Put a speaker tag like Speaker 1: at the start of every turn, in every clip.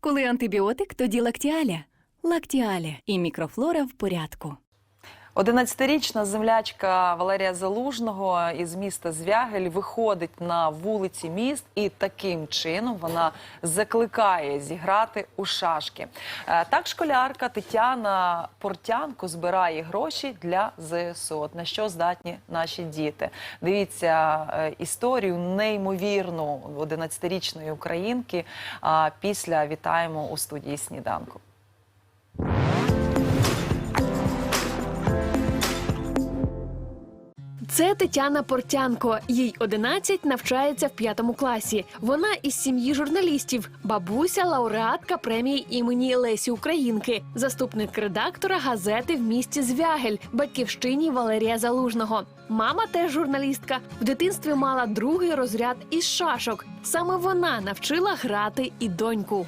Speaker 1: Коли антибіотик, тоді лактіаля. Лактіаля і мікрофлора в порядку.
Speaker 2: 11-річна землячка Валерія Залужного із міста Звягель виходить на вулиці міст і таким чином вона закликає зіграти у шашки. Так школярка Тетяна Портянко збирає гроші для ЗСУ. От на що здатні наші діти. Дивіться історію неймовірну 11-річної українки. Після вітаємо у студії «Сніданку».
Speaker 3: Це Тетяна Портянко. Їй 11, навчається в 5 класі. Вона із сім'ї журналістів. Бабуся – лауреатка премії імені Лесі Українки. Заступник редактора газети в місті Звягель, батьківщині Валерія Залужного. Мама теж журналістка. В дитинстві мала 2-й розряд із шашок. Саме вона навчила грати і доньку.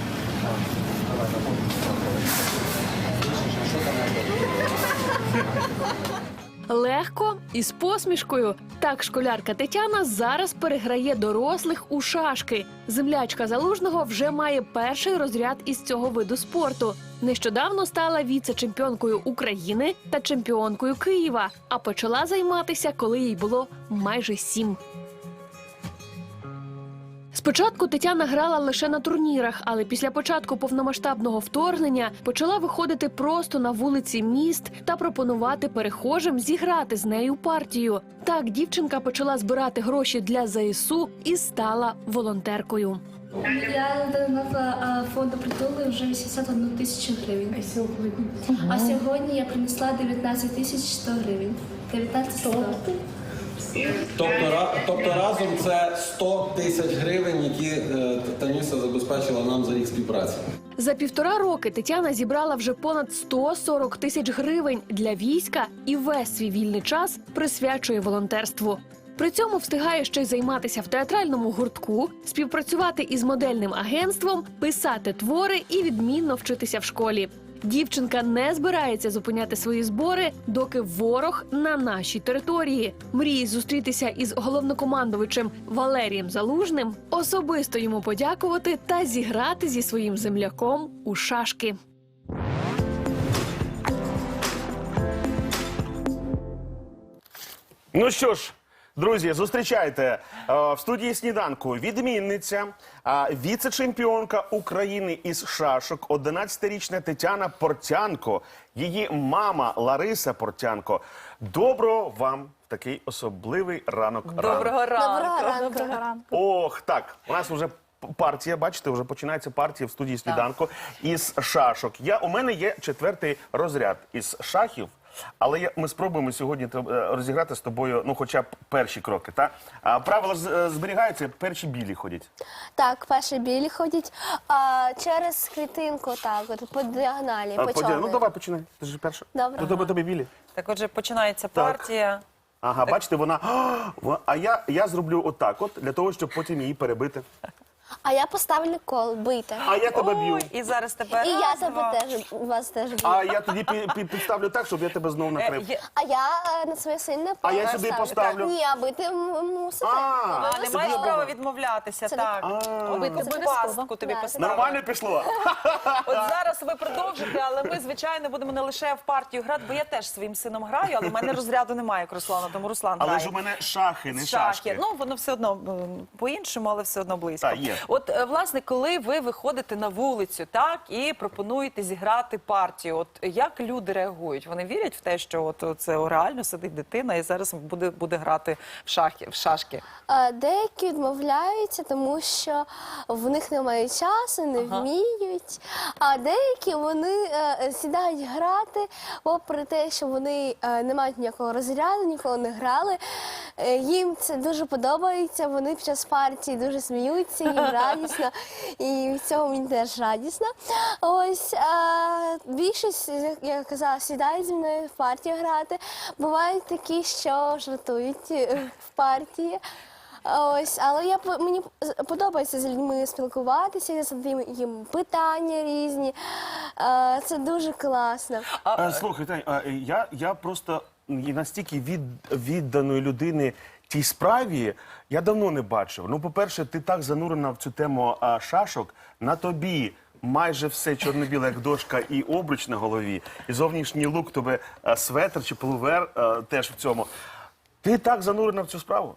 Speaker 3: Легко і з посмішкою. Так школярка Тетяна зараз переграє дорослих у шашки. Землячка Залужного вже має 1-й розряд із цього виду спорту. Нещодавно стала віце-чемпіонкою України та чемпіонкою Києва, а почала займатися, коли їй було майже 7. Спочатку Тетяна грала лише на турнірах, але після початку повномасштабного вторгнення почала виходити просто на вулиці міст та пропонувати перехожим зіграти з нею партію. Так дівчинка почала збирати гроші для ЗСУ і стала волонтеркою.
Speaker 4: Я донатила фонду «Притули» вже 81 тисячу гривень. А сьогодні я принесла 19 тисяч 100 гривень. 19 100.
Speaker 5: Тобто разом це 100 тисяч гривень, які Танюся забезпечила нам за рік співпраці.
Speaker 3: За 1,5 роки Тетяна зібрала вже понад 140 тисяч гривень для війська і весь свій вільний час присвячує волонтерству. При цьому встигає ще й займатися в театральному гуртку, співпрацювати із модельним агентством, писати твори і відмінно вчитися в школі. Дівчинка не збирається зупиняти свої збори, доки ворог на нашій території. Мріє зустрітися із головнокомандувачем Валерієм Залужним, особисто йому подякувати та зіграти зі своїм земляком у шашки.
Speaker 6: Ну що ж, друзі, зустрічайте в студії «Сніданку» відмінниця, віце-чемпіонка України із шашок, 11-річна Тетяна Портянко, її мама Лариса Портянко. Доброго вам в такий особливий ранок.
Speaker 2: Доброго ранку.
Speaker 4: Доброго ранку.
Speaker 6: Ох, так, у нас вже партія, бачите, вже починається партія в студії «Сніданку» із шашок. У мене є 4-й розряд із шахів. Але ми спробуємо сьогодні розіграти з тобою, ну, хоча б перші кроки, так? Правила зберігаються, перші білі ходять.
Speaker 7: Так, перші білі ходять через клітинку, так, от, по діагоналі, по чорній.
Speaker 6: Ну, давай, починай. Ти ж перша.
Speaker 7: Добре.
Speaker 6: Тобі білі.
Speaker 2: Так, отже, починається партія.
Speaker 6: Ага, бачите, вона... А я зроблю отак от, для того, щоб потім її перебити.
Speaker 7: А я поставлю кол, бийте.
Speaker 6: А я тебе б'ю.
Speaker 2: Ой, і зараз тебе
Speaker 7: І я
Speaker 2: раз,
Speaker 7: тебе
Speaker 2: два.
Speaker 7: теж, вас теж б'ю.
Speaker 6: А я тоді підставлю так, щоб я тебе знову накрив.
Speaker 7: А я на своє сильне
Speaker 6: А я
Speaker 7: поле
Speaker 6: сюди
Speaker 7: ставлю.
Speaker 6: поставлю.
Speaker 7: Ні, а бити мусите.
Speaker 2: А, не маєш
Speaker 6: Добре.
Speaker 2: права відмовлятися,
Speaker 7: Це
Speaker 2: так. Бити цю пастку тобі
Speaker 7: Так.
Speaker 2: поставили.
Speaker 6: Нормально пішло?
Speaker 2: От зараз ви продовжите, але ми, звичайно, будемо не лише в партію грати, бо я теж своїм сином граю, але в мене розряду немає, як Руслана, тому Руслан
Speaker 6: Але
Speaker 2: грає.
Speaker 6: ж у мене шахи, не шашки.
Speaker 2: Ну, воно все одно по-іншому, але все одно близько.
Speaker 6: Так, є.
Speaker 2: От, власне, коли ви виходите на вулицю, так, і пропонуєте зіграти партію, от як люди реагують? Вони вірять в те, що от це реально сидить дитина і зараз буде грати в шашки?
Speaker 7: Деякі відмовляються, тому що в них немає часу, не вміють. А деякі вони сідають грати, попри те, що вони не мають ніякого розряду, ніколи не грали. Їм це дуже подобається, вони під час партії дуже сміються, їм радісно. І від цього мені теж радісно. Ось більшість, як я казала, сідають зі мною в партію грати. Бувають такі, що жартують в партії. Ось, але мені подобається з людьми спілкуватися, я задаю їм питання різні. Це дуже класно.
Speaker 6: Слухай, Тань, я просто настільки відданої людини тій справі я давно не бачив. Ну, по-перше, ти так занурена в цю тему шашок, на тобі майже все чорно-біле, як дошка, і обруч на голові, і зовнішній лук, тобі светр чи пуловер теж в цьому. Ти так занурена в цю справу?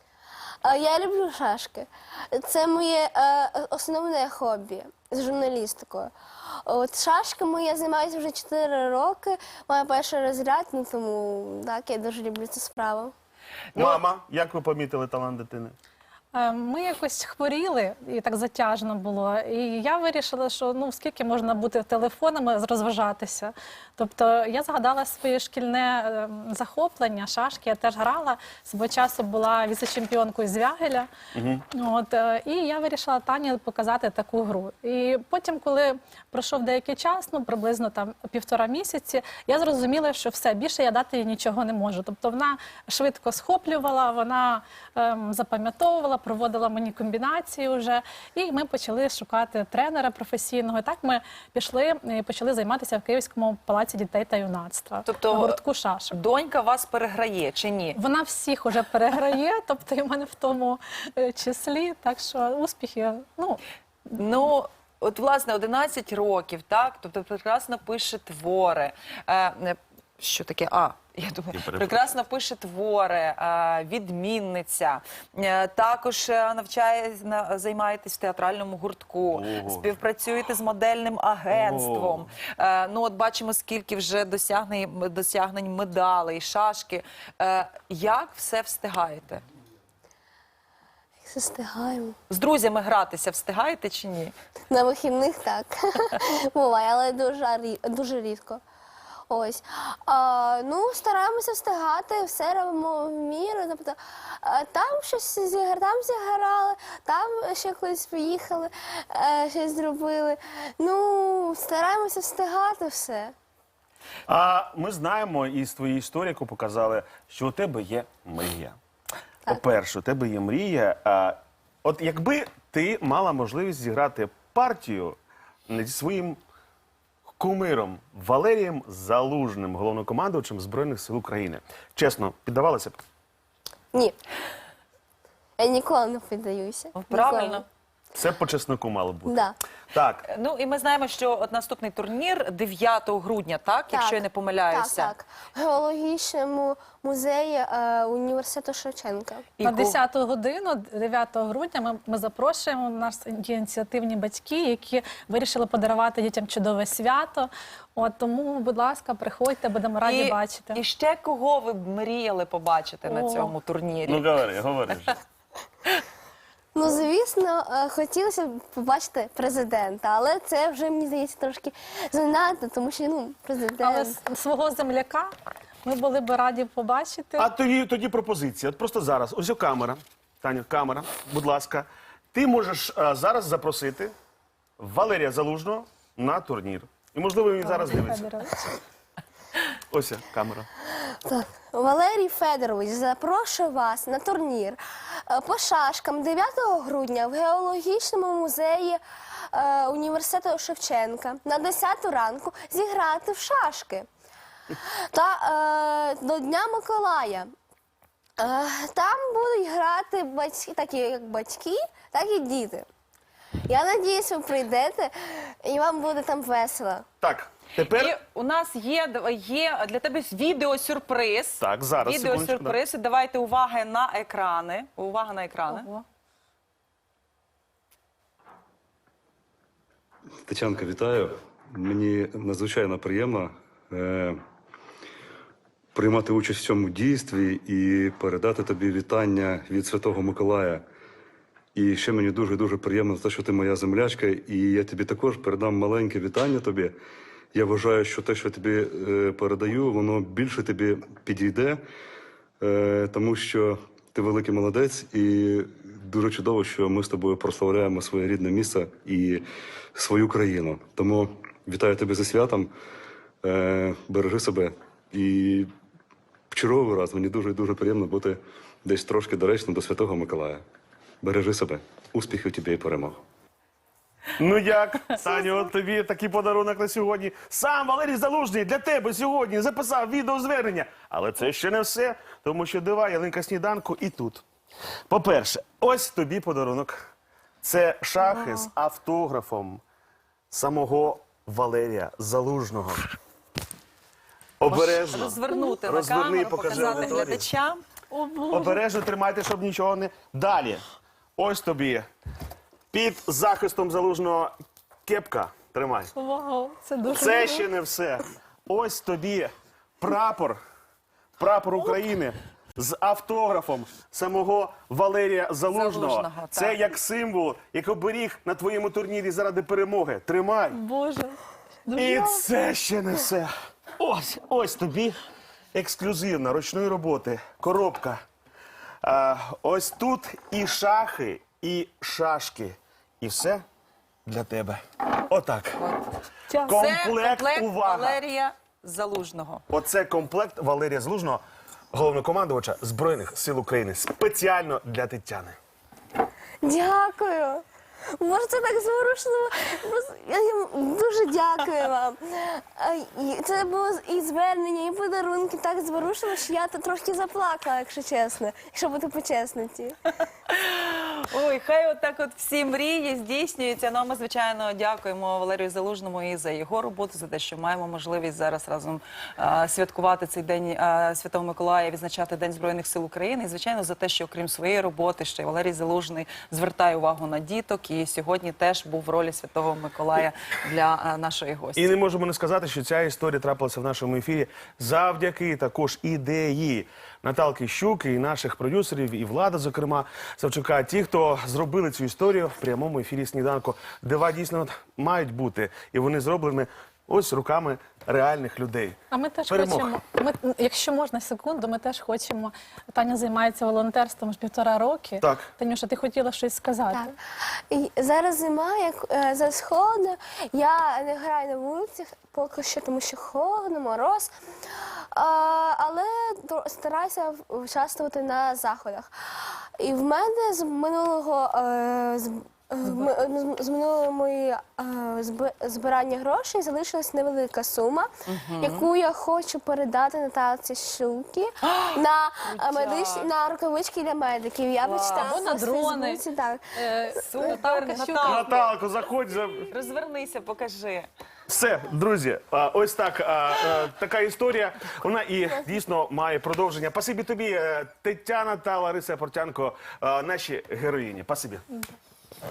Speaker 7: Я люблю шашки. Це моє основне хобі з журналістикою. От шашками я займаюся вже 4 роки, маю перший розряд, ну тому так, я дуже люблю цю справу.
Speaker 6: Мама, як ви помітили талант дитини?
Speaker 8: Ми якось хворіли, і так затяжно було. І я вирішила, що ну скільки можна бути телефонами, розважатися. Тобто я згадала своє шкільне захоплення, шашки. Я теж грала. Свого часу була віце-чемпіонкою з Вягеля. От, і я вирішила Тані показати таку гру. І потім, коли пройшов деякий час, ну приблизно там 1,5 місяці, я зрозуміла, що все, більше я дати їй нічого не можу. Тобто вона швидко схоплювала, вона запам'ятовувала, проводила мені комбінації вже, і ми почали шукати тренера професійного. І так ми пішли і почали займатися в Київському палаці дітей та юнацтва,
Speaker 2: Тобто
Speaker 8: на гуртку шашок.
Speaker 2: Донька вас переграє чи ні?
Speaker 8: Вона всіх уже переграє, тобто і в мене в тому числі, так що успіхи, ну...
Speaker 2: Ну, от, власне, 11 років, так? Тобто прекрасно пише твори. Що таке? Я думаю, прекрасно пише твори, відмінниця. Також займаєтесь в театральному гуртку, співпрацюєте з модельним агентством. Ну, от бачимо, скільки вже досягнень медалей, шашки. Як все встигаєте?
Speaker 7: Все встигаємо.
Speaker 2: З друзями гратися встигаєте чи ні?
Speaker 7: На вихідних так. Буває, але дуже рідко. Ось. Ну, стараємося встигати, все робимо в міру. Тобто, там щось там зіграли, там ще кудись поїхали, щось зробили. Ну, стараємося встигати все.
Speaker 6: А ми знаємо із твоєї історії, яку показали, що у тебе є мрія. По-перше, у тебе є мрія. От якби ти мала можливість зіграти партію зі своїм кумиром Валерієм Залужним, головнокомандувачем Збройних сил України. Чесно, піддавалася б?
Speaker 7: Ні. Я ніколи не піддаюся.
Speaker 2: Правильно.
Speaker 7: Ніколи.
Speaker 6: Це по чесноку мало бути.
Speaker 7: Да.
Speaker 6: Так.
Speaker 2: Ну, і ми знаємо, що от наступний турнір 9 грудня, так? Якщо я не помиляюся.
Speaker 7: Так. В геологічному музеї університету Шевченка.
Speaker 2: І
Speaker 8: На 10-ту годину, 9 грудня, ми запрошуємо, у нас є ініціативні батьки, які вирішили подарувати дітям чудове свято. От, тому, будь ласка, приходьте, будемо раді бачити.
Speaker 2: І ще кого ви б мріяли побачити на цьому турнірі?
Speaker 6: Ну, говори вже.
Speaker 7: Ну, звісно, хотілося б побачити президента, але це вже, мені здається, трошки занадто, тому що, ну, президент...
Speaker 8: Але свого земляка ми були б раді побачити.
Speaker 6: А тоді пропозиція. От просто зараз. Ось камера. Таня, камера, будь ласка. Ти можеш зараз запросити Валерія Залужного на турнір. І, можливо, він зараз дивиться.
Speaker 8: Федорович.
Speaker 6: Ось камера.
Speaker 7: Так. Валерій Федорович запрошує вас на турнір по шашкам 9 грудня в геологічному музеї університету Шевченка на 10 ранку зіграти в шашки. Та до Дня Миколая. Там будуть грати батьки, такі як батьки, так і діти. Я сподіваюся, ви прийдете і вам буде там весело.
Speaker 6: Так, тепер...
Speaker 2: І у нас є для тебе відеосюрприз.
Speaker 6: Так, зараз,
Speaker 2: Відеосюрприз. Давайте увага на екрани. Увага на екрани.
Speaker 8: Ого.
Speaker 9: Тетянка, вітаю. Мені надзвичайно приємно приймати участь в цьому дійстві і передати тобі вітання від Святого Миколая. І ще мені дуже-дуже приємно за те, що ти моя землячка, і я тобі також передам маленьке вітання тобі. Я вважаю, що те, що я тобі передаю, воно більше тобі підійде, тому що ти великий молодець, і дуже чудово, що ми з тобою прославляємо своє рідне місце і свою країну. Тому вітаю тебе зі святом, бережи себе. І в черговий раз мені дуже-дуже приємно бути десь трошки доречно до Святого Миколая. Бережи себе. Успіхів тобі і перемог.
Speaker 6: Ну як, Таню, от тобі такий подарунок на сьогодні. Сам Валерій Залужний для тебе сьогодні записав відеозвернення. Але це ще не все, тому що дива ялинка сніданку і тут. По-перше, ось тобі подарунок. Це шахи з автографом самого Валерія Залужного. Обережно.
Speaker 2: Розвернути на
Speaker 6: Розверни,
Speaker 2: камеру,
Speaker 6: покажи
Speaker 2: показати
Speaker 6: аудиторії.
Speaker 2: глядачам.
Speaker 6: Обережно тримайте, щоб нічого не... Далі. Ось тобі. Під захистом Залужного кепка. Тримай.
Speaker 8: Вау, це дуже
Speaker 6: Це
Speaker 8: круто.
Speaker 6: ще не все. Ось тобі прапор. Прапор України з автографом самого Валерія Залужного.
Speaker 2: Залужного,
Speaker 6: Це
Speaker 2: так.
Speaker 6: як символ, як оберіг на твоєму турнірі заради перемоги. Тримай.
Speaker 8: Боже.
Speaker 6: І це ще не все. Ось тобі ексклюзивна ручної роботи коробка. Ось тут і шахи, і шашки. І все для тебе. Отак.
Speaker 2: Це комплект
Speaker 6: увага.
Speaker 2: Валерія Залужного.
Speaker 6: Оце комплект Валерія Залужного, головнокомандувача Збройних сил України. Спеціально для Тетяни.
Speaker 7: Дякую. Може, це так зворушливо. Я їм дуже дякую вам. Це було і звернення, і подарунки так зворушливо, що я тут трошки заплакала, якщо чесно, якщо бути по-чесноті.
Speaker 2: Ой, хай отак от всі мрії здійснюються. Ну, а ми, звичайно, дякуємо Валерію Залужному і за його роботу, за те, що маємо можливість зараз разом святкувати цей день Святого Миколая, відзначати День Збройних сил України. І, звичайно, за те, що окрім своєї роботи, ще й Валерій Залужний звертає увагу на діток. І сьогодні теж був в ролі Святого Миколая для нашої гості.
Speaker 6: І не можемо не сказати, що ця історія трапилася в нашому ефірі завдяки також ідеї Наталки Щуки і наших продюсерів, і Влада, зокрема, Савчука. Ті, хто зробили цю історію в прямому ефірі «Сніданку». Дива дійсно мають бути. І вони зроблені ось руками реальних людей.
Speaker 8: А ми теж
Speaker 6: Перемог.
Speaker 8: хочемо, якщо можна секунду, ми теж хочемо. Таня займається волонтерством з 1,5 роки.
Speaker 6: Так.
Speaker 8: Танюша, ти хотіла щось сказати?
Speaker 7: Так. І зараз зима, як зараз холодно. Я не граю на вулицях поки що, тому що холодно, мороз. Але стараюся участвувати на заходах. І в мене з минулого з минулого мої збирання грошей залишилась невелика сума, яку я хочу передати Наталці Щуки на рукавички для медиків. Я прочитала
Speaker 8: Або на
Speaker 7: в
Speaker 8: дрони.
Speaker 7: Фейсбуці, так.
Speaker 2: Супер, Наталка.
Speaker 6: Наталко, заходь.
Speaker 2: Розвернися, покажи.
Speaker 6: Все, друзі, ось так, така історія. Вона і дійсно має продовження. Спасибі тобі, Тетяна та Лариса Портянко, наші героїні. Спасибі.